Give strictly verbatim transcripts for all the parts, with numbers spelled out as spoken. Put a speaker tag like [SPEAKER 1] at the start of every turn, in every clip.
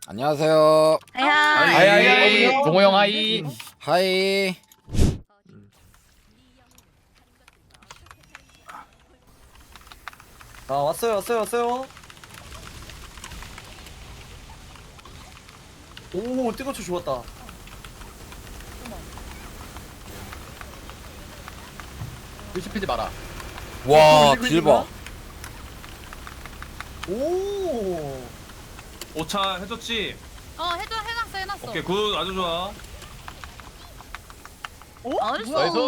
[SPEAKER 1] 안녕하세요.
[SPEAKER 2] 하이
[SPEAKER 3] 하이
[SPEAKER 2] 하이.
[SPEAKER 3] 하이 동호 형 하이.
[SPEAKER 1] 하이.
[SPEAKER 4] 아 왔어요 왔어요 왔어요. 오 뜨거초 좋았다.
[SPEAKER 3] 의심하지 마라.
[SPEAKER 1] 와, 딜 봐.
[SPEAKER 4] 오.
[SPEAKER 5] 오차 해줬지?
[SPEAKER 2] 어 해줘 해놨어 해놨어.
[SPEAKER 5] 오케이 굿 아주 좋아.
[SPEAKER 2] 아, 알았어.
[SPEAKER 3] 나이스.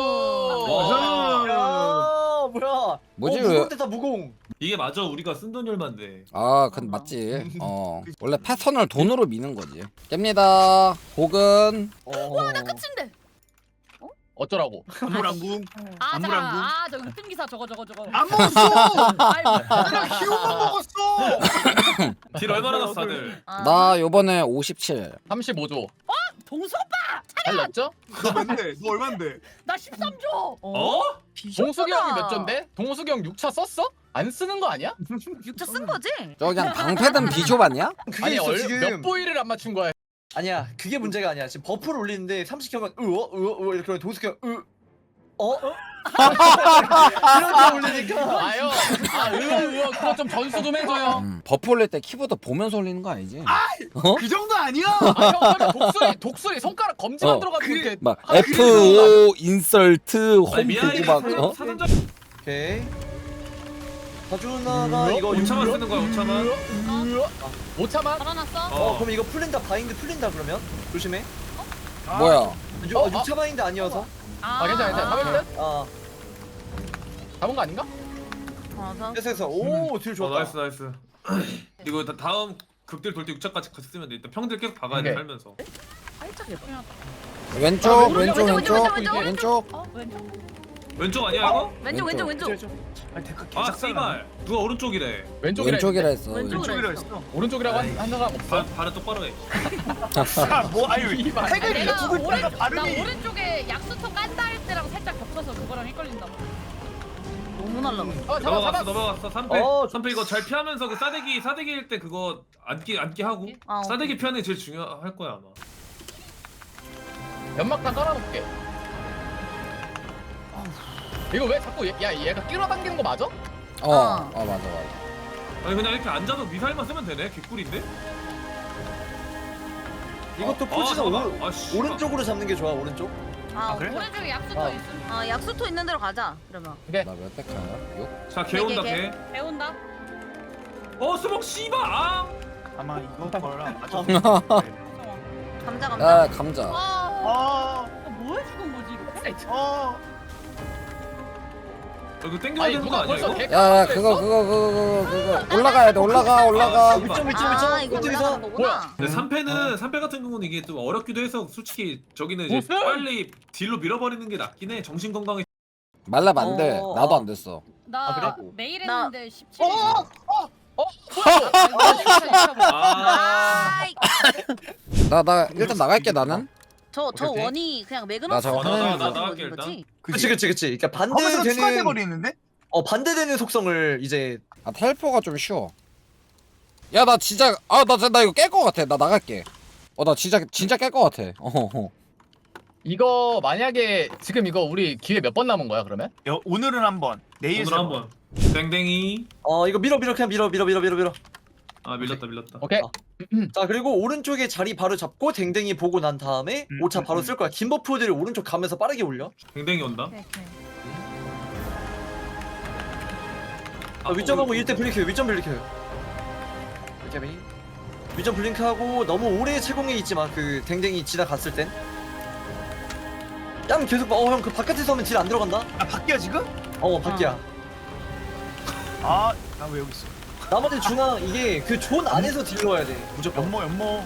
[SPEAKER 4] 야 뭐야?
[SPEAKER 1] 뭐지,
[SPEAKER 4] 어,
[SPEAKER 1] 왜?
[SPEAKER 4] 무거울 때다 무공.
[SPEAKER 5] 이게 맞아 우리가 쓴 돈이 얼만데.
[SPEAKER 1] 아, 근데 맞지. 어. 원래 패턴을 돈으로 미는 거지. 깹니다. 혹은
[SPEAKER 4] 어.
[SPEAKER 2] 나 끝인데.
[SPEAKER 3] 어쩌라고?
[SPEAKER 6] 안무랑궁
[SPEAKER 2] 아
[SPEAKER 6] 안무랑궁.
[SPEAKER 2] 잠깐. 아 저기 흑등 기사 저거 저거 저거.
[SPEAKER 6] 안 먹었어.
[SPEAKER 2] 아이고.
[SPEAKER 6] 내가 히오만 먹었어.
[SPEAKER 5] 딜 얼마나 났어 다들?
[SPEAKER 2] 아,
[SPEAKER 1] 나 요번에 오십칠.
[SPEAKER 3] 삼십오 조.
[SPEAKER 2] 동수 오빠.
[SPEAKER 3] 달랐죠?
[SPEAKER 6] 너 뭔데? 너 얼마인데?
[SPEAKER 2] 나 십삼 조.
[SPEAKER 5] 어?
[SPEAKER 3] 동숙이 형이 몇 존데? 동숙이 형 육 차 썼어? 안 쓰는 거 아니야?
[SPEAKER 2] 육 차 쓴 거지?
[SPEAKER 1] 저 그냥 방패든 비숍 아니야?
[SPEAKER 4] 그게
[SPEAKER 3] 아니
[SPEAKER 4] 있어
[SPEAKER 3] 얼,
[SPEAKER 4] 지금.
[SPEAKER 3] 몇 보이를 안 맞춘 거야?
[SPEAKER 4] 아니야 그게 문제가 아니야. 지금 버프를 올리는데 삼십 켜면 으어 으어 으어 이렇게 동숙이 으 어? 이렇게 올리니까
[SPEAKER 3] 아요. 아 으어 으어 그거 좀 전수 좀 해줘요.
[SPEAKER 1] 음, 버프 올릴 때 키보드 보면서 올리는 거 아니지? 어?
[SPEAKER 6] 그 정도 아니야.
[SPEAKER 3] 아형 그러면 독수리 독수리 손가락 검지만
[SPEAKER 1] 어.
[SPEAKER 3] 들어가지고
[SPEAKER 6] 그-
[SPEAKER 3] 이렇게
[SPEAKER 1] 막
[SPEAKER 3] 아,
[SPEAKER 1] 에프 오 인설트 홈
[SPEAKER 5] 아니 미아이
[SPEAKER 1] 보고 막 어?
[SPEAKER 5] 사전자
[SPEAKER 4] 오케이. 다준아가 이거
[SPEAKER 5] 오차만
[SPEAKER 4] 육-
[SPEAKER 5] 쓰는 거야 오차만.
[SPEAKER 3] 오 차만?
[SPEAKER 2] 걸어놨어.
[SPEAKER 4] 어 그럼 이거 풀린다 바인드 풀린다 그러면 조심해.
[SPEAKER 1] 뭐야?
[SPEAKER 4] 육-
[SPEAKER 3] 어,
[SPEAKER 4] 어, 육 차 바인드 아니어서.
[SPEAKER 3] 아 괜찮아 괜찮아. 가면 돼?
[SPEAKER 4] 아
[SPEAKER 3] 잡은 거 아닌가?
[SPEAKER 2] 걸어서.
[SPEAKER 4] 됐어 됐어. 오딜
[SPEAKER 5] 어
[SPEAKER 4] 좋았다.
[SPEAKER 5] 나이스 나이스. 이거 다, 다음 극딜 돌 때 육차까지 같이 쓰면 돼. 일단 평딜 계속 박아야 돼
[SPEAKER 3] 오케이.
[SPEAKER 5] 살면서.
[SPEAKER 2] 살짝 예쁘냐?
[SPEAKER 1] 왼쪽,
[SPEAKER 3] 아,
[SPEAKER 1] 왼쪽,
[SPEAKER 2] 왼쪽,
[SPEAKER 1] 왼쪽,
[SPEAKER 2] 왼쪽, 왼쪽,
[SPEAKER 1] 왼쪽.
[SPEAKER 2] 어 왼쪽.
[SPEAKER 5] 왼쪽 아니야 이거?
[SPEAKER 2] 왼쪽 왼쪽 왼쪽.
[SPEAKER 6] 아니 데카
[SPEAKER 5] 아
[SPEAKER 6] 개작살.
[SPEAKER 5] 씨발 누가 오른쪽이래.
[SPEAKER 3] 왼쪽이라
[SPEAKER 1] 왼쪽이라
[SPEAKER 3] 했는데.
[SPEAKER 1] 했어.
[SPEAKER 2] 왼쪽.
[SPEAKER 6] 왼쪽이라 했어.
[SPEAKER 3] 오른쪽이라고 한, 한 사람 없어?
[SPEAKER 5] 발 발은 똑바로 해.
[SPEAKER 6] 아뭐 아유
[SPEAKER 3] 이발.
[SPEAKER 6] 핵을
[SPEAKER 2] 내가
[SPEAKER 6] 두고
[SPEAKER 2] 오른
[SPEAKER 6] 있다가
[SPEAKER 2] 나
[SPEAKER 6] 발음이.
[SPEAKER 2] 오른쪽에 약수터 깐다 할 때랑 살짝 겹쳐서 그거랑 헷갈린다. 너무 날라가.
[SPEAKER 3] 어 잡아
[SPEAKER 5] 넘어갔어
[SPEAKER 3] 잡아.
[SPEAKER 5] 넘어갔어. 삼패
[SPEAKER 4] 어,
[SPEAKER 5] 삼패 이거 잘 피하면서 그 싸대기 싸대기일 때 그거 안기 안기 하고
[SPEAKER 2] 아, 오케이.
[SPEAKER 5] 싸대기 피하는 게 제일 중요할 거야 아마.
[SPEAKER 3] 연막탄 깔아놓을게. 이거 왜 자꾸 얘, 야 얘가 끌어당기는 거 맞아?
[SPEAKER 1] 어, 어 맞아 맞아.
[SPEAKER 5] 아니 그냥 이렇게 앉아서 미사일만 쓰면 되네. 개꿀인데?
[SPEAKER 4] 이것도
[SPEAKER 5] 어,
[SPEAKER 4] 포지션
[SPEAKER 5] 어,
[SPEAKER 4] 오른,
[SPEAKER 5] 아, 씨.
[SPEAKER 4] 오른쪽으로 잡는 게 좋아 오른쪽.
[SPEAKER 2] 아,
[SPEAKER 6] 아, 그래?
[SPEAKER 2] 오른쪽에 약수터
[SPEAKER 4] 아.
[SPEAKER 2] 있음.
[SPEAKER 7] 아 약수터 있는 데로 가자 그러면.
[SPEAKER 3] 오케이.
[SPEAKER 1] 나몇 대카야? 육?
[SPEAKER 5] 자 개온다
[SPEAKER 2] 개, 개,
[SPEAKER 5] 개.
[SPEAKER 2] 개. 배운다.
[SPEAKER 5] 어 수복 씨발 아.
[SPEAKER 6] 아마 이거 거랑 맞아.
[SPEAKER 7] 감자 감자.
[SPEAKER 1] 야, 감자.
[SPEAKER 2] 아,
[SPEAKER 6] 아.
[SPEAKER 2] 뭐 해주는 거지 이거?
[SPEAKER 6] 어.
[SPEAKER 5] 이거 땡겨야
[SPEAKER 3] 아니
[SPEAKER 5] 되는 거
[SPEAKER 3] 누가
[SPEAKER 5] 아니야
[SPEAKER 3] 벌써
[SPEAKER 5] 이거?
[SPEAKER 3] 개
[SPEAKER 1] 야, 야, 그거, 그거, 그거, 그거, 그거. 올라가야 돼, 올라가, 올라가.
[SPEAKER 5] 아,
[SPEAKER 4] 위점 위점
[SPEAKER 7] 아
[SPEAKER 4] 위점
[SPEAKER 7] 이거
[SPEAKER 4] 위점에서.
[SPEAKER 7] 올라가는 거구나.
[SPEAKER 5] 근데 삼 패는 삼 패 같은 경우는 이게 좀 어렵기도 해서 솔직히 저기는 이제
[SPEAKER 3] 무슨?
[SPEAKER 5] 빨리 딜로 밀어버리는 게 낫긴 해. 정신 건강에.
[SPEAKER 1] 말라면 안 돼.
[SPEAKER 4] 어,
[SPEAKER 1] 나도
[SPEAKER 4] 어.
[SPEAKER 1] 안 됐어.
[SPEAKER 2] 나
[SPEAKER 3] 아, 그래?
[SPEAKER 2] 매일
[SPEAKER 7] 나-
[SPEAKER 2] 했는데 십칠.
[SPEAKER 3] 어?
[SPEAKER 2] 아,
[SPEAKER 5] 아.
[SPEAKER 7] 아이,
[SPEAKER 1] 나, 나, 일단 나갈게, 나는.
[SPEAKER 7] 저, 저
[SPEAKER 5] 오케이.
[SPEAKER 7] 원이 그냥
[SPEAKER 1] 나
[SPEAKER 7] 매그너스
[SPEAKER 1] 저거
[SPEAKER 5] 나, 나, 나,
[SPEAKER 7] 가지고
[SPEAKER 5] 나갈게,
[SPEAKER 7] 있는 거지?
[SPEAKER 4] 그치 그치 그치. 그러니까
[SPEAKER 6] 거기서 추가돼
[SPEAKER 4] 반대되는
[SPEAKER 6] 버리는데?
[SPEAKER 4] 어 반대되는 속성을 이제
[SPEAKER 1] 아, 텔포가 좀 쉬워. 야, 나 진짜, 아, 나, 진짜- 나 이거 깰 것 같아. 나 나갈게. 어, 나 진짜, 진짜 깰 것 같아. 어허.
[SPEAKER 3] 이거 만약에 지금 이거 우리 기회 몇 번 남은 거야 그러면?
[SPEAKER 6] 여, 오늘은 한 번, 내일
[SPEAKER 5] 오늘
[SPEAKER 6] 세 번.
[SPEAKER 5] 한번. 땡땡이.
[SPEAKER 4] 어 이거 밀어 밀어 그냥 밀어 밀어 밀어 밀어 밀어.
[SPEAKER 5] 아 밀렸다 밀렸다.
[SPEAKER 3] 오케이.
[SPEAKER 4] 아. 자 그리고 오른쪽에 자리 바로 잡고 댕댕이 보고 난 다음에
[SPEAKER 6] 음,
[SPEAKER 4] 오차
[SPEAKER 6] 음,
[SPEAKER 4] 바로
[SPEAKER 6] 음.
[SPEAKER 4] 쓸 거야. 긴 버프들을 오른쪽 가면서 빠르게 올려.
[SPEAKER 5] 땡땡이 온다.
[SPEAKER 2] 오케이, 오케이.
[SPEAKER 4] 아, 위점하고 일 대 블링크 위점 블링크. 이렇게 위점 블링크하고 너무 오래 채공에 있지만 그 댕댕이 지나갔을 땐. 양 계속 어형 그 바깥에서 하면 딜 안 들어간다.
[SPEAKER 6] 아 바뀌야 지금?
[SPEAKER 4] 어 밖이야.
[SPEAKER 6] 아, 나 왜 여기 있어?
[SPEAKER 4] 나머지 중앙 이게 그 존 안에서 딜 넣어야 돼 무조건.
[SPEAKER 6] 연모 연모.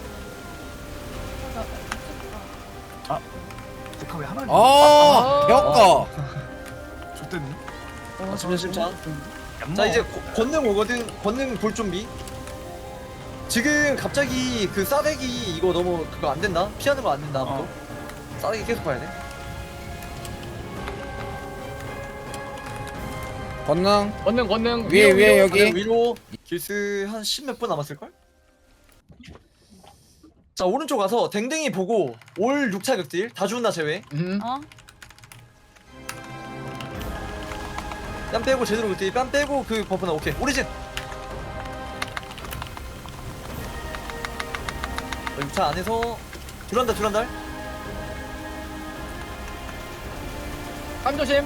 [SPEAKER 6] 아, 데카 왜 하나? 있냐?
[SPEAKER 1] 아, 배웠다.
[SPEAKER 6] 좋댔네.
[SPEAKER 4] 아, 심장 심장.
[SPEAKER 6] 연모.
[SPEAKER 4] 자 이제 고- 권능 오거든. 권능 볼 준비. 지금 갑자기 그 싸대기 이거 너무 그거 안 된다. 피하는 거 안 된다. 아무도.
[SPEAKER 6] 어.
[SPEAKER 4] 싸대기 계속 봐야 돼.
[SPEAKER 1] 권능.
[SPEAKER 3] 권능 권능
[SPEAKER 1] 위에, 위에, 여기.
[SPEAKER 4] 위로 길스 한 십 몇 분 남았을 걸? 자 오른쪽 가서 댕댕이 보고 올 육 차 극딜 다 죽나 제외.
[SPEAKER 3] 음.
[SPEAKER 2] 어?
[SPEAKER 4] 뺨 빼고 제대로 극딜. 뺨 빼고 그 버프나 오케이. 오리진. 육 차 안에서 둘한달 둘한달.
[SPEAKER 3] 깜 조심.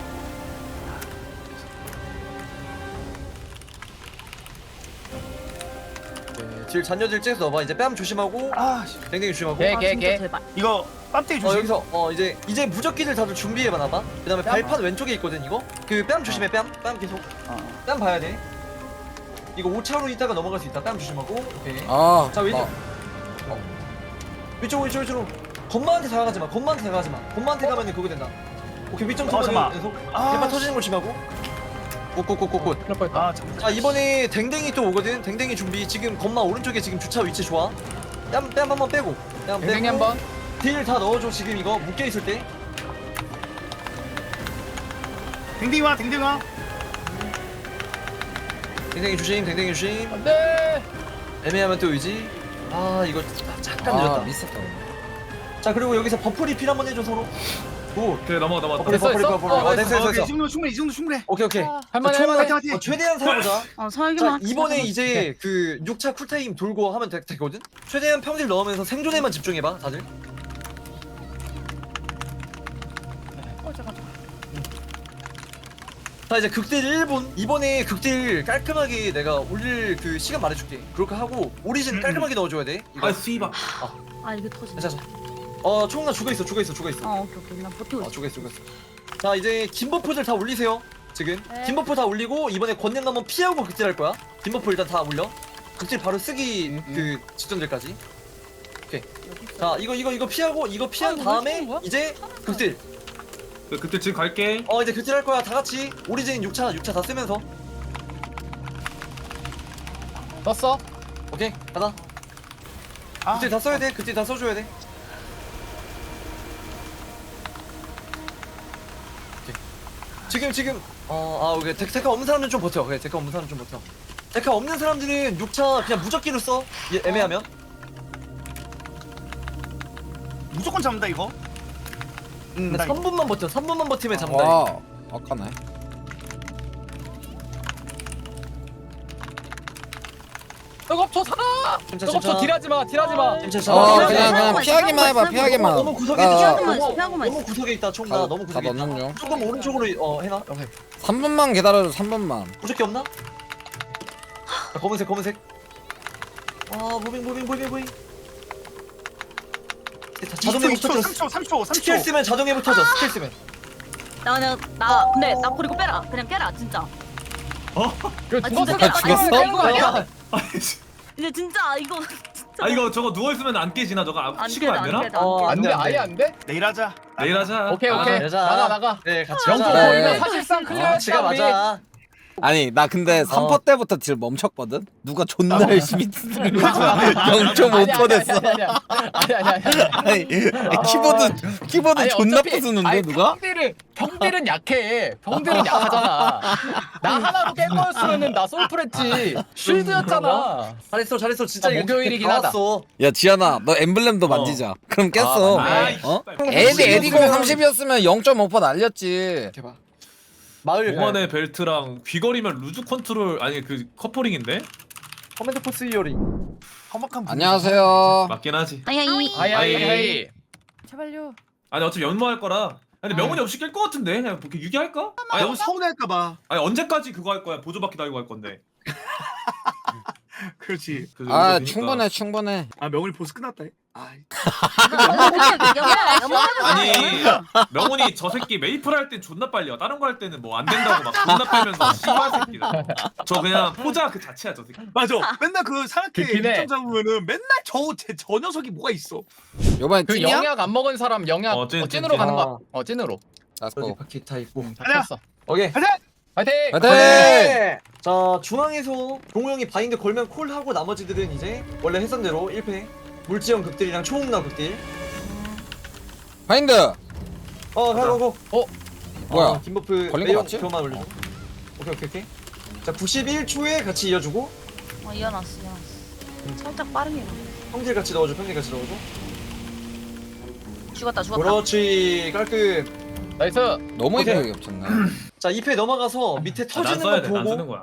[SPEAKER 4] 네, 딜 잔여질 째서 넣어봐. 이제 뺨 조심하고
[SPEAKER 6] 아 씨.
[SPEAKER 4] 댕댕이 조심하고.
[SPEAKER 3] 개,
[SPEAKER 7] 아
[SPEAKER 3] 개,
[SPEAKER 7] 진짜
[SPEAKER 3] 개.
[SPEAKER 7] 제발.
[SPEAKER 6] 이거 빰떼기
[SPEAKER 4] 어
[SPEAKER 6] 조심.
[SPEAKER 4] 여기서 어 이제 이제 무적기들 다들 준비해봐놔봐. 그다음에
[SPEAKER 3] 뺨?
[SPEAKER 4] 발판 왼쪽에 있거든 이거. 그 뺨 조심해 뺨. 뺨 계속.
[SPEAKER 6] 어.
[SPEAKER 4] 뺨 봐야 돼. 이거 오 차로 있다가 넘어갈 수 있다. 뺨 조심하고. 오케이.
[SPEAKER 1] 아,
[SPEAKER 4] 자 왼쪽.
[SPEAKER 1] 나-
[SPEAKER 4] 어. 위쪽 위쪽 위쪽으로. 건마한테 다가가지 마. 건마한테 다가가지 마. 건마한테 가면은 그거 된다. 오케이 위점
[SPEAKER 6] 어,
[SPEAKER 4] 터지는
[SPEAKER 6] 잠깐만.
[SPEAKER 4] 계속.
[SPEAKER 6] 아,
[SPEAKER 4] 대파 터지는 걸 조심하고. 굿굿굿굿굿.
[SPEAKER 3] 그럴 뻔했다.
[SPEAKER 6] 아 잠깐.
[SPEAKER 4] 자 이번에 댕댕이 또 오거든. 댕댕이 준비. 지금 건마 오른쪽에 지금 주차 위치 좋아. 뺨 뺨 한번 빼고. 뺨
[SPEAKER 3] 댕댕이
[SPEAKER 4] 빼고.
[SPEAKER 3] 한번.
[SPEAKER 4] 딜 다 넣어줘 지금 이거 묶여 있을 때.
[SPEAKER 6] 댕댕이 와 댕댕이 와.
[SPEAKER 4] 댕댕이 조심. 댕댕이 조심.
[SPEAKER 3] 안돼.
[SPEAKER 4] 애매하면 또 의지. 아 이거 잠깐
[SPEAKER 1] 아,
[SPEAKER 4] 늦었다.
[SPEAKER 1] 미스터.
[SPEAKER 4] 자 그리고 여기서 버프 리필 한번 해줘 서로. 오.
[SPEAKER 5] 오케이 넘어가 넘어가.
[SPEAKER 4] 버프 리필 버프 리필
[SPEAKER 3] 됐어,
[SPEAKER 4] 버프
[SPEAKER 3] 됐어?
[SPEAKER 4] 리필. 어 됐어
[SPEAKER 6] 어,
[SPEAKER 4] 됐어
[SPEAKER 6] 오케이, 이
[SPEAKER 4] 됐어.
[SPEAKER 6] 정도 충분해 이 정도 충분해.
[SPEAKER 4] 오케이 오케이.
[SPEAKER 3] 할만해,
[SPEAKER 4] 총-
[SPEAKER 3] 할만해.
[SPEAKER 4] 어, 최대한 살아보자.
[SPEAKER 7] 어
[SPEAKER 4] 자
[SPEAKER 7] 설계만.
[SPEAKER 4] 이번에 이제 그 육 차 쿨타임 돌고 하면 되, 되거든? 최대한 평딜 넣으면서 생존에만 집중해봐 다들.
[SPEAKER 2] 어 잠깐.
[SPEAKER 4] 자 이제 극딜 일 분. 이번에 극딜 깔끔하게 내가 올릴 그 시간 말해줄게. 그렇게 하고 오리진
[SPEAKER 6] 음.
[SPEAKER 4] 깔끔하게 넣어줘야 돼 이거.
[SPEAKER 5] 아 씨발.
[SPEAKER 7] 아 이게 터진다.
[SPEAKER 4] 괜찮아. 어 총나 죽어있어 죽어있어 죽어있어.
[SPEAKER 7] 어 오케이 오케이 난 버티고
[SPEAKER 4] 아
[SPEAKER 7] 있어.
[SPEAKER 4] 죽어있어 죽어있어. 자 이제 긴 버프들 다 올리세요 지금.
[SPEAKER 2] 네.
[SPEAKER 4] 긴 버프 다 올리고 이번에 권능 한번 피하고 극딜 할 거야. 긴 버프 일단 다 올려. 극딜 바로 쓰기
[SPEAKER 3] 음,
[SPEAKER 4] 그 직전들까지. 자 이거 이거 이거 피하고 이거 피한
[SPEAKER 2] 아, 이거 왜
[SPEAKER 4] 다음에
[SPEAKER 2] 쓰는 거야?
[SPEAKER 4] 이제 극딜.
[SPEAKER 5] 그- 그때 지금 갈게.
[SPEAKER 4] 어 이제 극딜 할 거야 다 같이. 오리진 육 차 육 차 다 쓰면서.
[SPEAKER 3] 떴어.
[SPEAKER 4] 오케이 가자.
[SPEAKER 6] 아,
[SPEAKER 4] 극딜 다 써야 돼. 극딜 다 써줘야 돼. 오케이. 지금 지금 어아 오케이 데, 데카 없는 사람들은 좀 버텨. 그래 데카 없는 사람은 좀 버텨. 데카 없는 사람들은 육 차 그냥 무적기로 써. 얘, 애매하면.
[SPEAKER 6] 무조건 잡는다 이거.
[SPEAKER 4] 음
[SPEAKER 6] 나
[SPEAKER 4] 삼 분만 버텨. 삼 분만 버티면 잡는다.
[SPEAKER 1] 와, 아까네.
[SPEAKER 3] 뜨겁죠 살아.
[SPEAKER 4] 진짜
[SPEAKER 3] 뜨겁죠
[SPEAKER 4] 진짜.
[SPEAKER 3] 딜하지 마. 딜하지 마.
[SPEAKER 4] 진짜
[SPEAKER 1] 어,
[SPEAKER 4] 진짜.
[SPEAKER 1] 그냥 그냥
[SPEAKER 7] 피하고만
[SPEAKER 1] 피하기만
[SPEAKER 7] 있어,
[SPEAKER 1] 해봐, 피하기만.
[SPEAKER 4] 너무 구석에
[SPEAKER 1] 나-
[SPEAKER 4] 있다.
[SPEAKER 7] 피하고만 있어,
[SPEAKER 4] 너무-
[SPEAKER 7] 피하고만
[SPEAKER 4] 너무
[SPEAKER 7] 있어.
[SPEAKER 4] 구석에 있다. 총나
[SPEAKER 1] 다-
[SPEAKER 4] 너무
[SPEAKER 1] 다
[SPEAKER 4] 구석에 있다.
[SPEAKER 1] 넣는 중.
[SPEAKER 4] 조금 오른쪽으로 어 해놔. 오케이.
[SPEAKER 1] 삼 분만 기다려줘, 삼 분만.
[SPEAKER 4] 무적기 없나? 자, 검은색 검은색. 아 무빙 무빙 무빙 무빙. 자, 자동에
[SPEAKER 6] 이십 초,
[SPEAKER 4] 붙어져.
[SPEAKER 6] 삼 초 삼 초 삼
[SPEAKER 4] 스킬
[SPEAKER 6] 초.
[SPEAKER 4] 쓰면 자동에 붙어져. 스킬 쓰면.
[SPEAKER 7] 나 그냥 나 근데 나 버리고 빼라. 그냥 깨라 진짜.
[SPEAKER 3] 그
[SPEAKER 7] 아,
[SPEAKER 3] 죽었어.
[SPEAKER 7] 진짜
[SPEAKER 1] 죽었어?
[SPEAKER 3] 깨는 거 아니야?
[SPEAKER 7] 근데 진짜 이거 진짜.
[SPEAKER 5] 아 이거 저거 누워 있으면 안 깨지나 저거 아,
[SPEAKER 7] 안
[SPEAKER 5] 시간
[SPEAKER 7] 깨다
[SPEAKER 5] 안
[SPEAKER 7] 안
[SPEAKER 5] 되나?
[SPEAKER 7] 깨다
[SPEAKER 4] 어,
[SPEAKER 7] 안
[SPEAKER 3] 안
[SPEAKER 7] 깨다.
[SPEAKER 3] 돼.
[SPEAKER 4] 안 돼, 안
[SPEAKER 3] 아예
[SPEAKER 4] 돼.
[SPEAKER 3] 안 돼?
[SPEAKER 6] 내일 하자.
[SPEAKER 5] 내일 하자.
[SPEAKER 3] 오케이
[SPEAKER 5] 아,
[SPEAKER 3] 오케이.
[SPEAKER 4] 여자.
[SPEAKER 3] 나가 나가.
[SPEAKER 4] 네 같이
[SPEAKER 3] 영조
[SPEAKER 4] 가자.
[SPEAKER 1] 네.
[SPEAKER 3] 이거 사실상 클리어
[SPEAKER 4] 지가 맞아.
[SPEAKER 1] 아니, 나 근데 삼 퍼 때부터 딜 멈췄거든? 누가 존나
[SPEAKER 4] 어.
[SPEAKER 1] 열심히 쓰는 거야. 영 점 오 퍼 됐어.
[SPEAKER 3] 아니 아니 아니 아니.
[SPEAKER 1] 아니, 키보드, 키보드
[SPEAKER 3] 아니,
[SPEAKER 1] 존나
[SPEAKER 3] 어차피-
[SPEAKER 1] 부수는데,
[SPEAKER 3] 아니,
[SPEAKER 1] 누가?
[SPEAKER 3] 평딜은 평딜은 약해. 평딜은 약하잖아. 나 하나로 깬 거였으면은 나 솔프랬지. 쉴드였잖아.
[SPEAKER 4] 잘했어 잘했어 진짜
[SPEAKER 3] 아,
[SPEAKER 4] 이거
[SPEAKER 3] 목요일이긴
[SPEAKER 4] 다
[SPEAKER 3] 하다.
[SPEAKER 4] 왔어.
[SPEAKER 1] 야, 지현아, 너 엠블렘도 만지자. 그럼 깼어.
[SPEAKER 3] 아, 맞네.
[SPEAKER 1] 어?
[SPEAKER 5] 아이,
[SPEAKER 1] 에디, 에디공 삼십이었으면 영 점 오 퍼 날렸지.
[SPEAKER 4] 대박. 마을
[SPEAKER 5] 오만의 벨트랑 귀걸이면 루즈 컨트롤 아니 그 커플링인데?
[SPEAKER 4] 커맨드 포스 이어링.
[SPEAKER 6] 험악한 분.
[SPEAKER 1] 안녕하세요.
[SPEAKER 5] 맞긴 하지.
[SPEAKER 7] 아야 이.
[SPEAKER 3] 아이 아이
[SPEAKER 5] 아이.
[SPEAKER 3] 아이.
[SPEAKER 2] 제발요.
[SPEAKER 5] 아니 어차피 연모할 거라. 근데 명훈이 없이 깰 것 같은데 그냥 이렇게 유기할까? 아니,
[SPEAKER 6] 너무 서운할까봐.
[SPEAKER 5] 아니 언제까지 그거 할 거야? 보조바퀴 달고 할 건데.
[SPEAKER 6] 그렇지.
[SPEAKER 5] 그
[SPEAKER 1] 아,
[SPEAKER 5] 정도 되니까.
[SPEAKER 1] 충분해, 충분해.
[SPEAKER 6] 아 명훈이 보스 끝났다. 아,
[SPEAKER 5] 아니 명훈이 저 새끼 메이플 할 땐 존나 빨리 와. 다른 거 할 때는 뭐 안 된다고 막 존나 빼면서 씨발 새끼다. 저 그냥 포자 그 자체야 저 새끼.
[SPEAKER 6] 맞아. 맨날 그 사람께
[SPEAKER 3] 그긴 해.
[SPEAKER 6] 일점 잡으면은 맨날 저저 저 녀석이 뭐가 있어.
[SPEAKER 1] 요번에
[SPEAKER 3] 그
[SPEAKER 1] 찐이야?
[SPEAKER 3] 영약 안 먹은 사람 영약
[SPEAKER 5] 어,
[SPEAKER 3] 어,
[SPEAKER 5] 찐,
[SPEAKER 3] 찐으로
[SPEAKER 5] 찐,
[SPEAKER 3] 가는
[SPEAKER 4] 찐.
[SPEAKER 3] 거야. 어 찐으로.
[SPEAKER 4] 여기
[SPEAKER 1] 렛츠고.
[SPEAKER 4] 바퀴 다 있고.
[SPEAKER 3] 다
[SPEAKER 6] 가자.
[SPEAKER 3] 켰어.
[SPEAKER 4] 오케이.
[SPEAKER 6] 가자.
[SPEAKER 3] 파이팅.
[SPEAKER 1] 화이팅!
[SPEAKER 4] 네. 자 중앙에서 동호 형이 바인드 걸면 콜하고 나머지들은 이제 원래 했던 대로 일 패. 물지형 극딜이랑 초홍나 극딜.
[SPEAKER 1] 파인드!
[SPEAKER 4] 어 가고 고.
[SPEAKER 1] 뭐야?
[SPEAKER 4] 어, 김버프
[SPEAKER 1] 걸린 거
[SPEAKER 4] 매형
[SPEAKER 1] 맞지?
[SPEAKER 4] 그것만 올려줘. 오케이 오케이 오케이. 자 구십일 초에 같이 이어주고.
[SPEAKER 7] 어 이어놨어 이어놨어. 살짝 빠르게.
[SPEAKER 4] 평딜 같이 넣어줘 평딜 같이 넣어줘.
[SPEAKER 7] 죽었다 죽었다.
[SPEAKER 4] 그렇지 깔끔.
[SPEAKER 3] 나이스.
[SPEAKER 1] 너무
[SPEAKER 4] 오케이.
[SPEAKER 1] 이쁘게 겹쳤네.
[SPEAKER 4] 자 이 패 넘어가서 밑에
[SPEAKER 5] 난
[SPEAKER 4] 터지는
[SPEAKER 5] 써야
[SPEAKER 4] 거
[SPEAKER 5] 돼난 쓰는
[SPEAKER 4] 보고
[SPEAKER 5] 거야.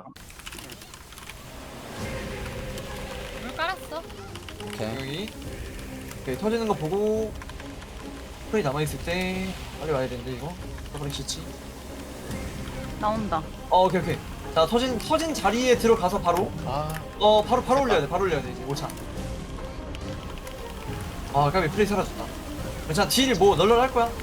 [SPEAKER 2] 물 깔았어.
[SPEAKER 1] 오케이.
[SPEAKER 4] 여기 오케이 터지는 거 보고 프레이 남아있을 때 빨리 와야 되는데 이거 더블 치치.
[SPEAKER 7] 나온다.
[SPEAKER 4] 어 오케이 오케이. 자 터진 터진 자리에 들어가서 바로
[SPEAKER 3] 아
[SPEAKER 4] 어 바로 바로 올려야 돼 바로 올려야 돼 이제 오 차. 아 까비 프레이 사라졌다. 괜찮아 딜 뭐 널널 할 거야.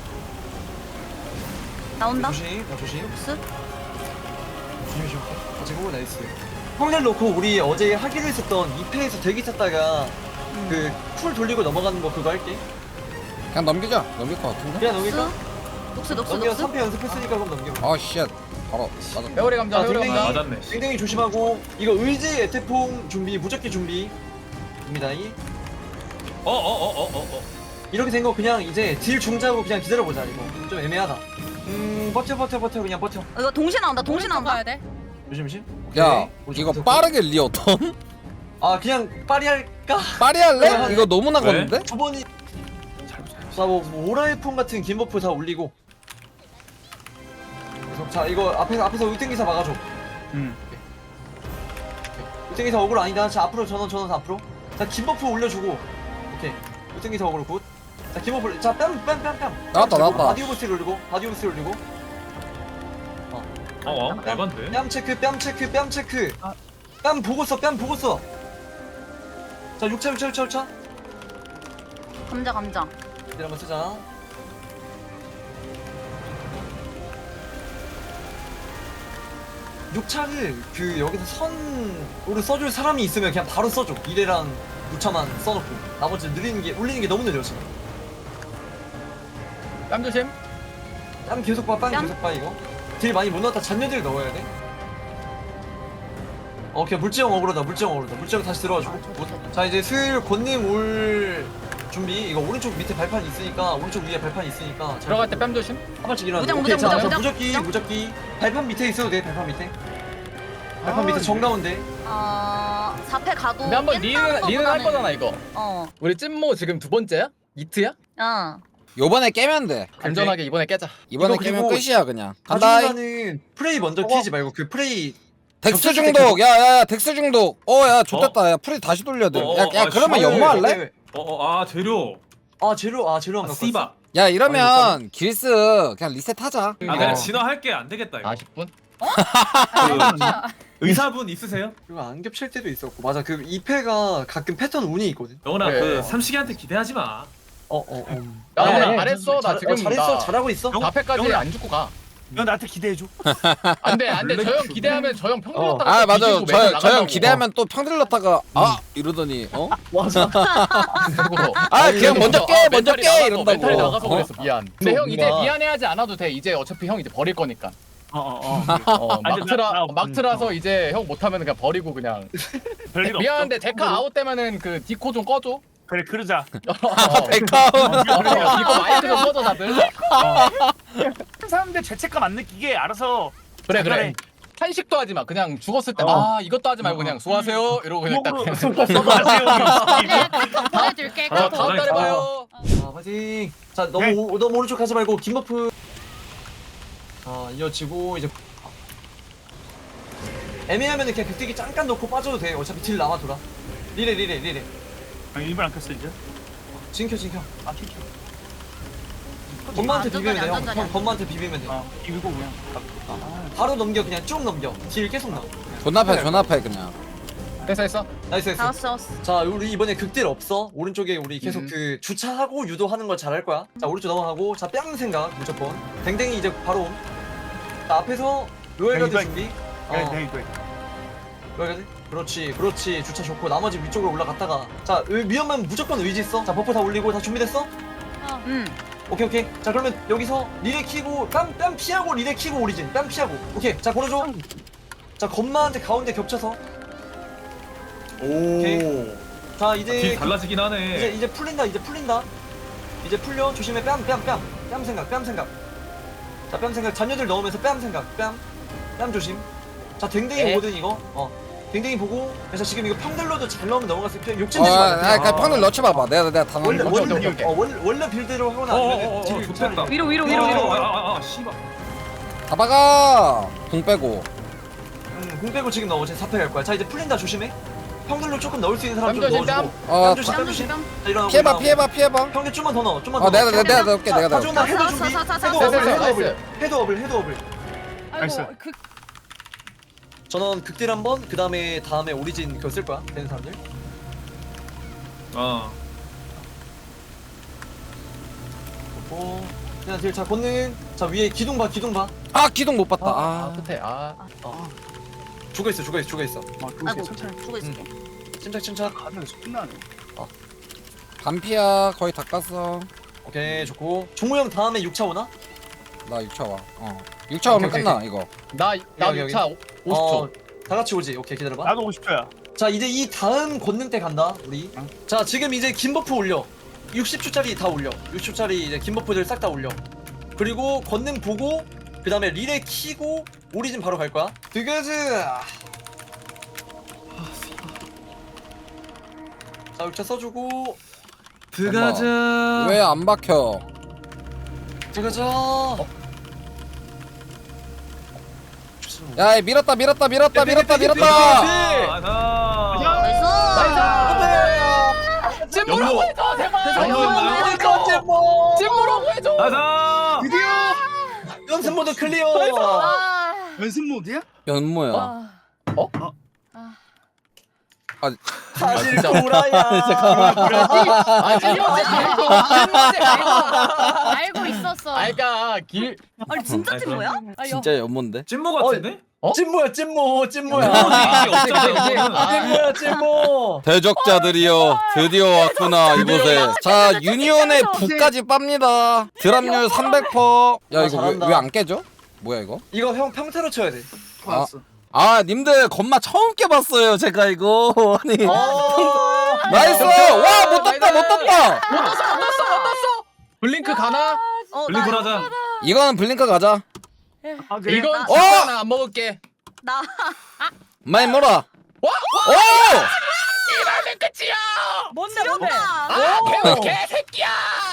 [SPEAKER 7] 나온다.
[SPEAKER 4] 조심 야 조심
[SPEAKER 7] 스.
[SPEAKER 4] 조심 조심. 가지고 나이스. 평딜 놓고 우리 어제 하기로 했었던 이 패에서 대기 탔다가 그 쿨 돌리고 넘어가는 거 그거 할게.
[SPEAKER 1] 그냥 넘기자. 넘길 것 같은데?
[SPEAKER 4] 그냥
[SPEAKER 7] 녹스.
[SPEAKER 4] 넘길까?
[SPEAKER 7] 녹스 녹스
[SPEAKER 4] 넘겨
[SPEAKER 7] 녹스.
[SPEAKER 4] 삼 패 연습했으니까 그럼 넘겨.
[SPEAKER 1] 아 쉣. 바로 맞았다.
[SPEAKER 3] 회오리 감자
[SPEAKER 4] 아,
[SPEAKER 3] 회오리
[SPEAKER 4] 댕댕이.
[SPEAKER 3] 감자.
[SPEAKER 5] 맞았네.
[SPEAKER 4] 땡땡이 조심하고 이거 의지 에테퐁 준비 무적기 준비 입니다. 이
[SPEAKER 5] 어어어어어 어.
[SPEAKER 4] 이렇게 된 거 그냥 이제 딜 중자고 그냥 기다려보자. 이거 좀 애매하다. 음 버텨 버텨 버텨 그냥 버텨.
[SPEAKER 7] 어, 이거 동시에 나온다. 동시에 나온다.
[SPEAKER 2] 가야 돼.
[SPEAKER 4] 조심 조심.
[SPEAKER 1] 야
[SPEAKER 4] 오케이.
[SPEAKER 1] 이거
[SPEAKER 4] 오케이.
[SPEAKER 1] 빠르게 리어 턴?
[SPEAKER 4] 아 그냥 빠리 할까?
[SPEAKER 1] 빠리 할래? 이거 너무 나갔는데?
[SPEAKER 4] 두 번이 자뭐 뭐 오라이폰 같은 긴 버프 다 올리고. 계속 자 이거 앞에서 앞에서 의땡기사 막아줘.
[SPEAKER 6] 음.
[SPEAKER 4] 의땡기사 어글 아니다. 자 앞으로 전원 전원 앞으로. 자 긴 버프 올려주고. 오케이. 의땡기사 어글 굿. 자긴 버프 자뺨뺨뺨뺨
[SPEAKER 1] 나왔다, 나왔다.
[SPEAKER 4] 바디오브스 올리고 바디오브스 올리고.
[SPEAKER 5] 어어 대반데.
[SPEAKER 4] 뺨 체크 뺨 체크 뺨 체크. 뺨 보고 써 뺨 보고 써. 자 육 차 육 차 육 차 육 차.
[SPEAKER 7] 감자 감자.
[SPEAKER 4] 이들 한번 쓰자. 육 차를 그 여기서 선으로 써줄 사람이 있으면 그냥 바로 써줘. 이래랑 육 차만 써놓고 나머지 느리는 게 올리는 게 너무 느려 지금.
[SPEAKER 3] 땀 조심.
[SPEAKER 4] 땀 계속 봐, 빵
[SPEAKER 7] 뺨?
[SPEAKER 4] 계속 봐 이거. 딜 많이 못 넣었다. 잔여딜 넣어야 돼. 어, 오케이 물지형 어그로다. 물지형 어그로다. 물지형 다시 들어가지고. 자 이제 슬 권님 올 준비. 이거 오른쪽 밑에 발판 있으니까 오른쪽 위에 발판 있으니까 잘
[SPEAKER 3] 들어갈 때 뺨 조심.
[SPEAKER 4] 한 발씩 일어나.
[SPEAKER 7] 무적,
[SPEAKER 4] 오케이,
[SPEAKER 7] 무적,
[SPEAKER 4] 자,
[SPEAKER 7] 무적,
[SPEAKER 4] 자,
[SPEAKER 7] 무적,
[SPEAKER 4] 무적기
[SPEAKER 7] 무적.
[SPEAKER 4] 무적기. 발판 밑에 있어도 돼. 발판 밑에. 발판
[SPEAKER 3] 아,
[SPEAKER 4] 밑에 정가운데.
[SPEAKER 7] 어 사 패 가도.
[SPEAKER 3] 근데 한번
[SPEAKER 7] 깬다는
[SPEAKER 3] 리는 리는 할
[SPEAKER 7] 거보다는-
[SPEAKER 3] 거잖아 이거.
[SPEAKER 7] 어.
[SPEAKER 3] 우리 찐모 지금 두 번째야? 이트야?
[SPEAKER 7] 어.
[SPEAKER 1] 요번에 깨면 돼.
[SPEAKER 3] 안전하게 이번에 깨자.
[SPEAKER 1] 이번에
[SPEAKER 4] 이거
[SPEAKER 1] 깨면
[SPEAKER 4] 그리고
[SPEAKER 1] 끝이야 그냥. 간다.
[SPEAKER 4] 가중간은 프레이 먼저 키지 말고 그 프레이
[SPEAKER 1] 덱스
[SPEAKER 4] 겹쳤을 때
[SPEAKER 1] 중독. 야야야 덱스 중독. 어야 좋됐다. 야 프리 다시 돌려야 돼.
[SPEAKER 5] 어,
[SPEAKER 1] 야,
[SPEAKER 5] 어,
[SPEAKER 1] 야
[SPEAKER 5] 아,
[SPEAKER 1] 그러면
[SPEAKER 5] 씨.
[SPEAKER 1] 연마 할래?
[SPEAKER 4] 네,
[SPEAKER 5] 어어아 재료.
[SPEAKER 4] 아 재료 아 재료 안
[SPEAKER 5] 아,
[SPEAKER 4] 갖고
[SPEAKER 5] 씨바.
[SPEAKER 4] 왔어.
[SPEAKER 1] 야
[SPEAKER 4] 아이고,
[SPEAKER 1] 이러면 길스 그냥 리셋하자.
[SPEAKER 5] 아 그냥
[SPEAKER 3] 어.
[SPEAKER 5] 진화할게 안 되겠다 이거.
[SPEAKER 3] 사십 분?
[SPEAKER 5] 그 의사분 있으세요?
[SPEAKER 4] 그리고 안 겹칠 때도 있었고 맞아 그 이 패가 가끔 패턴 운이 있거든.
[SPEAKER 5] 영훈아
[SPEAKER 3] 그래.
[SPEAKER 5] 그 삼식이한테 기대하지 마.
[SPEAKER 4] 어어 어.
[SPEAKER 3] 야,
[SPEAKER 4] 네,
[SPEAKER 3] 나
[SPEAKER 4] 네.
[SPEAKER 3] 잘했어. 나
[SPEAKER 4] 잘-
[SPEAKER 3] 지금
[SPEAKER 4] 어, 잘했어
[SPEAKER 3] 나
[SPEAKER 4] 잘하고 있어.
[SPEAKER 5] 영-
[SPEAKER 3] 사 패까지
[SPEAKER 5] 영훈아.
[SPEAKER 3] 안 죽고 가.
[SPEAKER 6] 너 나한테 기대해줘.
[SPEAKER 3] 안돼 안돼 저 형 기대하면 저 형 평균
[SPEAKER 4] 어.
[SPEAKER 3] 넣다가
[SPEAKER 1] 아
[SPEAKER 3] 또
[SPEAKER 1] 맞아.
[SPEAKER 3] 뒤지고
[SPEAKER 1] 저
[SPEAKER 3] 맨날
[SPEAKER 1] 저 형
[SPEAKER 3] 나간다고.
[SPEAKER 1] 기대하면 또 평들 넣다가 아 이러더니 어?
[SPEAKER 4] 맞아.
[SPEAKER 3] 그리고
[SPEAKER 1] 아 그냥 먼저 깨
[SPEAKER 3] 아,
[SPEAKER 1] 먼저
[SPEAKER 3] 멘탈이
[SPEAKER 1] 깨
[SPEAKER 3] 나가서,
[SPEAKER 1] 이런다고.
[SPEAKER 3] 멘탈이 나가서
[SPEAKER 1] 어?
[SPEAKER 3] 그랬어 미안. 근데 형 이제
[SPEAKER 4] 뭔가.
[SPEAKER 3] 미안해하지 않아도 돼. 이제 어차피 형 이제 버릴 거니까.
[SPEAKER 6] 어어 어.
[SPEAKER 3] 어
[SPEAKER 6] 아니,
[SPEAKER 3] 막트라
[SPEAKER 6] 나- 나-
[SPEAKER 3] 막트라서 이제 형 못하면 그냥 버리고 그냥.
[SPEAKER 6] 별일 없어.
[SPEAKER 3] 미안한데 데카 아웃 되면은 그 디코 좀 꺼줘.
[SPEAKER 6] 그래 그러자.
[SPEAKER 3] 어,
[SPEAKER 1] 백화운.
[SPEAKER 3] 어, 디코 마이크 좀 꺼줘 다들.
[SPEAKER 6] 사람들 죄책감 안 느끼게 알아서.
[SPEAKER 3] 그래
[SPEAKER 6] 잘하네.
[SPEAKER 3] 그래. 한식도 하지 마. 그냥 죽었을 때
[SPEAKER 6] 어.
[SPEAKER 3] 아 이것도 하지 말고 그냥 수고하세요 이러고 그냥 딱.
[SPEAKER 6] 구멍으로
[SPEAKER 3] 그냥.
[SPEAKER 6] 써가세요.
[SPEAKER 2] 내가 카톡 보내줄게.
[SPEAKER 3] 어,
[SPEAKER 2] 카톡.
[SPEAKER 3] 다음 달에 봐요.
[SPEAKER 4] 아 파이팅. 자 너무
[SPEAKER 6] 네.
[SPEAKER 4] 오, 너무 오른쪽 가지 말고 긴 버프. 자 이어지고 이제 애매하면은 그냥 격대기 잠깐 넣고 빠져도 돼. 어차피 딜 남아 돌아. 리레 리레 리레.
[SPEAKER 6] 아, 일본 안 켰어 이제.
[SPEAKER 4] 진켜 진켜.
[SPEAKER 6] 아 켰어.
[SPEAKER 4] 건마한테
[SPEAKER 7] 안전자리,
[SPEAKER 4] 비비면 돼. 형.
[SPEAKER 7] 안전자리.
[SPEAKER 4] 형 건마한테 비비면 돼.
[SPEAKER 6] 아 이거 그냥.
[SPEAKER 4] 바로 넘겨 그냥 쭉 넘겨. 딜 계속 나와.
[SPEAKER 1] 존나 패 존나 패 그냥.
[SPEAKER 3] 됐어 됐어.
[SPEAKER 4] 나이스 나이스.
[SPEAKER 7] 나왔어 나왔어.
[SPEAKER 4] 자 우리 이번에 극딜 없어. 오른쪽에 우리 계속
[SPEAKER 3] 음.
[SPEAKER 4] 그 주차하고 유도하는 걸 잘할 거야. 자 오른쪽 넘어가고 자 뺨 생각 무조건. 댕댕이 이제 바로 옴. 자 앞에서 로얄가드
[SPEAKER 6] 야, 이거-
[SPEAKER 4] 준비.
[SPEAKER 6] 야
[SPEAKER 4] 어
[SPEAKER 6] 내 이거.
[SPEAKER 4] 로얄가드. 그렇지 그렇지 주차 좋고 나머지 위쪽으로 올라갔다가 자 의- 위험하면 무조건 의지 써. 자 버프 다 올리고 다 준비됐어?
[SPEAKER 2] 어.
[SPEAKER 7] 응.
[SPEAKER 4] 오케이 오케이. 자 그러면 여기서 리레 키고 뺨 뺨 피하고 리레 키고 오리진. 뺨 피하고. 오케이 자 걸어줘. 자 건마한테 가운데 겹쳐서. 오케이. 자 이제
[SPEAKER 5] 딜 달라지긴
[SPEAKER 4] 이제
[SPEAKER 5] 하네.
[SPEAKER 4] 이제 풀린다 이제 풀린다 이제 풀려 조심해 뺨 뺨 뺨 뺨 생각 뺨 생각 자 뺨 생각 잔여들 넣으면서 뺨 생각 뺨 뺨 조심 자 댕댕이
[SPEAKER 3] 네.
[SPEAKER 4] 오거든 이거 어 댕댕이 보고. 그래서 지금 이거 평들로도 잘 넣으면 넘어갔을 때
[SPEAKER 1] 어,
[SPEAKER 4] 욕심내지
[SPEAKER 1] 아,
[SPEAKER 4] 마.
[SPEAKER 1] 아, 그냥 판을 넣지 봐봐. 내가 내가 다
[SPEAKER 4] 원래
[SPEAKER 1] 넣는
[SPEAKER 3] 오케이,
[SPEAKER 4] 원래
[SPEAKER 3] 오케이, 오케이.
[SPEAKER 4] 어, 원래 원래 빌드로 하거나 아니면
[SPEAKER 5] 어어어어
[SPEAKER 4] 딜을
[SPEAKER 5] 좋겠다.
[SPEAKER 7] 위로 위로 위로 위로.
[SPEAKER 5] 아아아 씨발.
[SPEAKER 1] 다 박아. 공 빼고.
[SPEAKER 4] 음, 공 빼고 지금 넣어. 지금 사패 갈 거야. 자 이제 풀린다 조심해. 평들로 조금 넣을 수 있는 사람 좀
[SPEAKER 3] 뺨 조심,
[SPEAKER 4] 넣어주고.
[SPEAKER 1] 어,
[SPEAKER 4] 뺨 조심, 뺨 조심. 자, 일어나고
[SPEAKER 1] 피해봐,
[SPEAKER 4] 일어나고.
[SPEAKER 1] 피해봐, 피해봐.
[SPEAKER 4] 평들 좀만 더 넣어. 좀만
[SPEAKER 1] 어,
[SPEAKER 4] 더.
[SPEAKER 1] 내가
[SPEAKER 4] 넣어.
[SPEAKER 1] 내가 내가 넣을게. 내가 넣을게.
[SPEAKER 4] 가져온다. 헤드
[SPEAKER 7] 사,
[SPEAKER 4] 준비.
[SPEAKER 7] 사, 사, 사,
[SPEAKER 4] 헤드
[SPEAKER 7] 사,
[SPEAKER 4] 어블,
[SPEAKER 3] 사,
[SPEAKER 4] 헤드
[SPEAKER 3] 사,
[SPEAKER 4] 어블. 헤드 어블, 헤드 어블.
[SPEAKER 6] 나이스.
[SPEAKER 2] 아이고 그
[SPEAKER 4] 전원 극딜 한 번. 그 다음에 다음에 오리진 그거 쓸 거야. 되는 사람들.
[SPEAKER 5] 어.
[SPEAKER 4] 어. 그냥 딜. 자 권능. 자 위에 기둥 봐, 기둥 봐.
[SPEAKER 1] 아, 기둥 못 봤다.
[SPEAKER 3] 아,
[SPEAKER 1] 아.
[SPEAKER 3] 끝에 아.
[SPEAKER 4] 죽어 있어, 죽어 있어, 죽어 있어.
[SPEAKER 6] 아, 그거
[SPEAKER 7] 아이고
[SPEAKER 6] 천천히.
[SPEAKER 7] 죽어 있을게.
[SPEAKER 4] 침착, 침착.
[SPEAKER 6] 가면서 끝나네.
[SPEAKER 1] 반피야. 거의 다 깠어.
[SPEAKER 4] 오케이, 좋고. 종우 형 다음에 육 차 오나?
[SPEAKER 1] 나 육 차 와. 어. 육 차 오면
[SPEAKER 4] 오케이,
[SPEAKER 1] 끝나, 이거.
[SPEAKER 3] 나나
[SPEAKER 4] 여기, 여기.
[SPEAKER 3] 육 차 오십 초.
[SPEAKER 4] 어, 다 같이 오지. 오케이, 기다려봐.
[SPEAKER 6] 나도 오십 초야.
[SPEAKER 4] 자 이제 이 다음 권능 때 간다 우리.
[SPEAKER 6] 응.
[SPEAKER 4] 자 지금 이제 긴 버프 올려. 육십 초짜리 다 올려. 육십 초짜리 이제 긴 버프들 싹 다 올려. 그리고 권능 보고 그 다음에 릴에 키고 오리진 바로 갈 거야. 드그즈. 자 육차 써주고
[SPEAKER 5] 들어가자.
[SPEAKER 1] 왜 안 박혀?
[SPEAKER 4] 드그즈.
[SPEAKER 1] 야, 밀었다, 밀었다, 밀었다, 밀었다, 밀었다.
[SPEAKER 5] 아, 나.
[SPEAKER 7] 나이스.
[SPEAKER 3] 찜무라고 해줘 제발.
[SPEAKER 5] 연모였나요?
[SPEAKER 4] 찜모.
[SPEAKER 3] 찜무라고 해줘.
[SPEAKER 5] 가자.
[SPEAKER 6] 드디어
[SPEAKER 4] 연습 모드 클리어.
[SPEAKER 2] 아,
[SPEAKER 6] 연습 모드야?
[SPEAKER 1] 연모야.
[SPEAKER 2] 아,
[SPEAKER 4] 사실
[SPEAKER 3] 진짜.
[SPEAKER 4] 구라야.
[SPEAKER 3] 아 찜무지 찜무지
[SPEAKER 2] 알고 있었어.
[SPEAKER 3] 아이가 길
[SPEAKER 7] 아니 진짜 찐 뭐야?
[SPEAKER 2] 아, 여-
[SPEAKER 1] 진짜 연모인데?
[SPEAKER 5] 찐모 같은데?
[SPEAKER 4] 찜모야 찜모 찜모야.
[SPEAKER 5] 이게 없잖아 이거는.
[SPEAKER 3] 아.
[SPEAKER 4] 찜모야 찜모.
[SPEAKER 1] 대적자들이여 드디어 왔구나 이곳에. 자, 유니온의 부까지 빱니다. 드랍률 삼백 퍼센트. 야,
[SPEAKER 4] 아,
[SPEAKER 1] 이거
[SPEAKER 4] 잘한다.
[SPEAKER 1] 왜 안 깨져? 뭐야 이거?
[SPEAKER 4] 이거 형 평타로 쳐야 돼.
[SPEAKER 6] 알았어.
[SPEAKER 1] 아, 님들 건마 처음 깨봤어요 제가 이거. 아니.
[SPEAKER 4] 어.
[SPEAKER 1] 나이스. 와, 못 떴다, 못 떴다.
[SPEAKER 3] 못 떴어 못 떴어 못 떴어. 블링크 가나?
[SPEAKER 7] 어,
[SPEAKER 5] 블링
[SPEAKER 7] 나,
[SPEAKER 5] 불하자.
[SPEAKER 1] 이거는 블링크 가자.
[SPEAKER 6] 아, 그래?
[SPEAKER 3] 이건
[SPEAKER 1] 어!
[SPEAKER 3] 진짜 나안 먹을게.
[SPEAKER 7] 나
[SPEAKER 1] 많이 몰아.
[SPEAKER 3] 와!
[SPEAKER 1] 오!
[SPEAKER 3] 이러면 끝이야.
[SPEAKER 2] 뭔데 뭔데?
[SPEAKER 3] 아, 개는 개새끼야.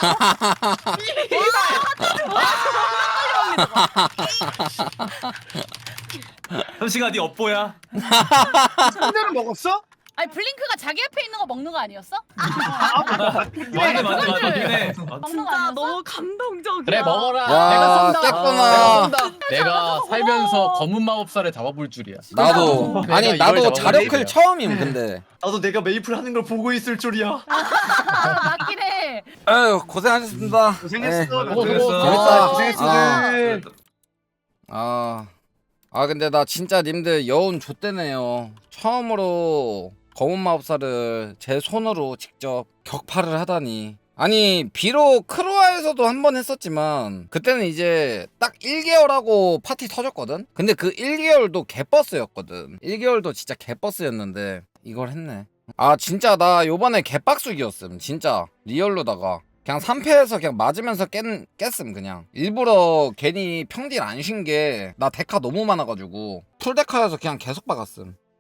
[SPEAKER 5] 현식아 네 업보야.
[SPEAKER 6] 상대를 먹었어?
[SPEAKER 2] 아니 블링크가 자기 앞에 있는 거 먹는 거 아니었어?
[SPEAKER 5] 맞네 맞네 맞네 맞긴 해.
[SPEAKER 2] 먹는 거
[SPEAKER 7] 진짜
[SPEAKER 2] 아니었어?
[SPEAKER 7] 너무 감동적이야.
[SPEAKER 3] 그래 먹어라.
[SPEAKER 1] 야,
[SPEAKER 3] 내가 쏜다.
[SPEAKER 1] 깼구나.
[SPEAKER 3] 내가 쏜다. 내가 살면서 검은 마법사를 잡아볼 줄이야.
[SPEAKER 1] 나도.
[SPEAKER 3] 내가
[SPEAKER 1] 아니
[SPEAKER 3] 이걸
[SPEAKER 1] 나도
[SPEAKER 3] 잡아볼
[SPEAKER 1] 자력클
[SPEAKER 3] 줄이야.
[SPEAKER 1] 처음임 근데.
[SPEAKER 4] 나도 내가 메이플 하는 걸 보고 있을 줄이야.
[SPEAKER 2] 아, 맞긴 해.
[SPEAKER 1] 아유, 고생하셨습니다.
[SPEAKER 6] 고생했어.
[SPEAKER 1] 네.
[SPEAKER 6] 나도.
[SPEAKER 3] 수고, 수고.
[SPEAKER 1] 재밌다.
[SPEAKER 4] 고생했어.
[SPEAKER 1] 아.
[SPEAKER 4] 들.
[SPEAKER 1] 아, 아 근데 나 진짜 님들 여운 좆대네요. 처음으로 검은 마법사를 제 손으로 직접 격파를 하다니. 아니 비록 크로아에서도 한 번 했었지만 그때는 이제 딱 일 개월 하고 파티 터졌거든. 근데 그 일 개월도 개버스였거든. 일 개월도 진짜 개버스였는데 이걸 했네. 아 진짜 나 요번에 개빡수기였음. 진짜 리얼로다가 그냥 삼 패에서 그냥 맞으면서 깼, 깼음 그냥. 일부러 괜히 평딜 안 쉰 게 나 데카 너무 많아가지고 풀데카여서 그냥 계속 박았음.